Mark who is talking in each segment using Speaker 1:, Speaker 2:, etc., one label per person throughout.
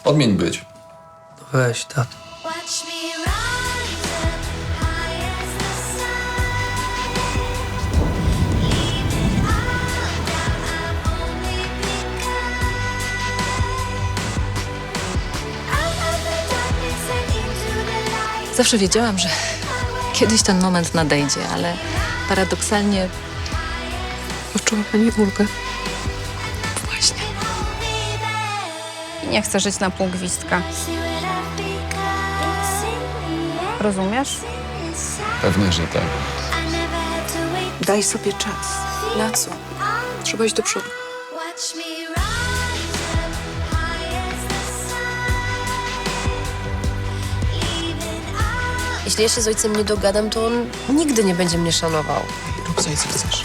Speaker 1: Odmień być.
Speaker 2: Weź, tato.
Speaker 3: Watch me rise up high as the sun. Leaving all doubt I've only begun. Out of the darkness and into the light.
Speaker 4: Zawsze wiedziałam, że kiedyś ten moment nadejdzie, ale paradoksalnie
Speaker 2: Poczuła pani ulgę?
Speaker 4: właśnie.
Speaker 3: Hold me there.
Speaker 5: Nie chcę żyć na pół gwizdka.
Speaker 3: See what I've become. It's in the air.
Speaker 5: Rozumiesz?
Speaker 3: Inside.
Speaker 1: Pewnie, że tak.
Speaker 3: I never had to wait.
Speaker 2: Daj sobie czas. Na co? Trzeba iść do przodu.
Speaker 3: Watch me rise up high as the sun. Leaving all.
Speaker 6: Jeśli ja się z ojcem nie dogadam, to on nigdy nie będzie mnie szanował.
Speaker 2: Rób sobie, co chcesz.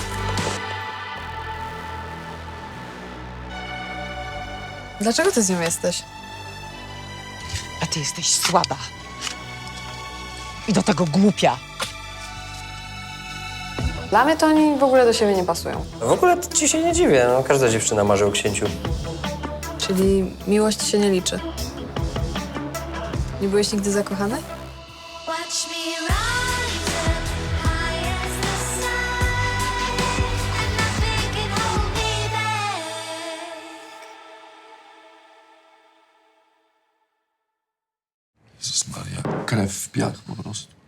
Speaker 7: Dlaczego ty z nią jesteś?
Speaker 8: A ty jesteś słaba. I do tego głupia.
Speaker 7: Dla mnie to oni w ogóle do siebie nie pasują.
Speaker 9: W ogóle to ci się nie dziwię, no, każda dziewczyna marzy o księciu.
Speaker 7: Czyli miłość się nie liczy. Nie byłeś nigdy zakochany?
Speaker 3: Watch me rise up high as the sun. And nothing can hold me back.
Speaker 1: Jezus Maria, krew w piach po prostu.